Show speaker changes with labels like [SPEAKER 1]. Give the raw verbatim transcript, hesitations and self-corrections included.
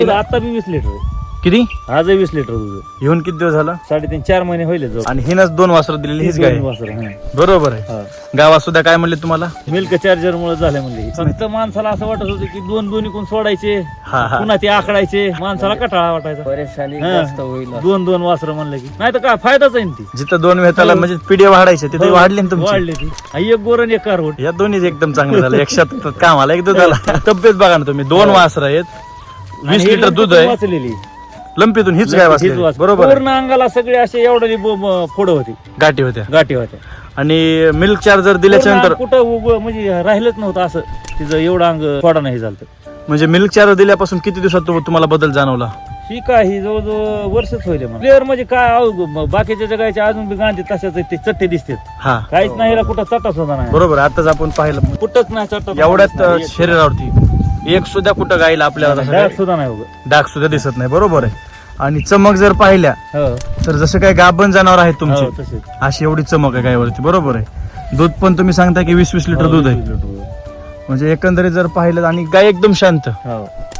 [SPEAKER 1] आता बी वीस लिटर आहे.
[SPEAKER 2] किती
[SPEAKER 1] आज वीस लिटर दूध आहे.
[SPEAKER 2] येऊन किती दिवस झाला?
[SPEAKER 1] साडेतीन चार महिने होईल जवळ.
[SPEAKER 2] आणि हिनच दोन वासरं दिलेली हीच गाय आहे.
[SPEAKER 1] वासरं, हं.
[SPEAKER 2] बरोबर आहे.
[SPEAKER 1] हा.
[SPEAKER 2] गावात सुद्धा काय म्हणले तुम्हाला?
[SPEAKER 1] मिल्क चार्जर मुळे झाले म्हणजे फक्त माणसाला असं वाटत होतं की दोन दोन इकून सोडायचे,
[SPEAKER 2] हा हा
[SPEAKER 1] पुन्हा ते आकडायचे, माणसाला कटाळा वाटायचा.
[SPEAKER 3] परेशानी
[SPEAKER 1] हा.
[SPEAKER 3] जास्त होईल.
[SPEAKER 1] दोन दोन वासरं म्हणलं की नाही तर काय फायदाच आहे ना ती.
[SPEAKER 2] जिथं दोन वेताला म्हणजे पिढे वाढायचे तिथे वाढले ना तुमचे.
[SPEAKER 1] वाढले ती. हा, एक गोरण एक कारवट.
[SPEAKER 2] या दोन्ही एकदम चांगलं झालं. एक शेतात कामाला एक दुधाला. तब्येत बघा ना तुम्ही, दोन वासर आहेत, वीस
[SPEAKER 1] आणि हे
[SPEAKER 2] लिटर दूध
[SPEAKER 1] लंपीतून
[SPEAKER 2] आहे.
[SPEAKER 1] वाचलेली
[SPEAKER 2] लंपीतून हीच गाय
[SPEAKER 1] हीच
[SPEAKER 2] वाचली.
[SPEAKER 1] वाच-
[SPEAKER 2] बरोबर आहे.
[SPEAKER 1] पूर्ण अंगाला सगळे असे एवढे फोडं होती,
[SPEAKER 2] गाठी होत्या.
[SPEAKER 1] गाठी होत्या.
[SPEAKER 2] आणि मिल्क चार्जर दिल्याच्या
[SPEAKER 1] पूर्ण
[SPEAKER 2] नंतर
[SPEAKER 1] कुठं उभं म्हणजे राहिलंच नव्हतं असं तिचं एवढं अंग थोडा नाही झालं.
[SPEAKER 2] म्हणजे मिल्क चार्जर दिल्यापासून किती दिवसात तु- तुम्हाला बदल जाणवला?
[SPEAKER 1] ही काय ही जवळजवळ वर्षच होईल प्लेअर म्हणजे काय अहो, म- बाकीच्या जगाच्या अजून बी गांधी तशाच आहेत, ते चट्टे दिसतात.
[SPEAKER 2] हा
[SPEAKER 1] काहीच नाही हिला कुठं चट्टा सुद्धा नाही,
[SPEAKER 2] बरोबर. आताच आपण पाहिलं
[SPEAKER 1] कुठंच नाही चट्टा
[SPEAKER 2] एवढ्यात अं, शरीरावरती एक सुद्धा कुठं गायला आपल्याला असं
[SPEAKER 1] डाग
[SPEAKER 2] काही
[SPEAKER 1] सुद्धा नाही उभं.
[SPEAKER 2] डाग सुद्धा दिसत नाही. बरोबर आहे. आणि चमक जर पाहिल्या
[SPEAKER 1] हो
[SPEAKER 2] तर जसं काय गाभण जनावर आहेत
[SPEAKER 1] हो,
[SPEAKER 2] तुमचे
[SPEAKER 1] तसेच.
[SPEAKER 2] अशी एवढी चमक आहे गायवरती. बरोबर आहे. दूध पण तुम्ही सांगता की वीस वीस लिटर
[SPEAKER 1] हो,
[SPEAKER 2] दूध आहे.
[SPEAKER 1] वीस लिटर दूध.
[SPEAKER 2] म्हणजे एकंदरीत जर पाहिलं आणि गाय एकदम शांत.
[SPEAKER 1] हो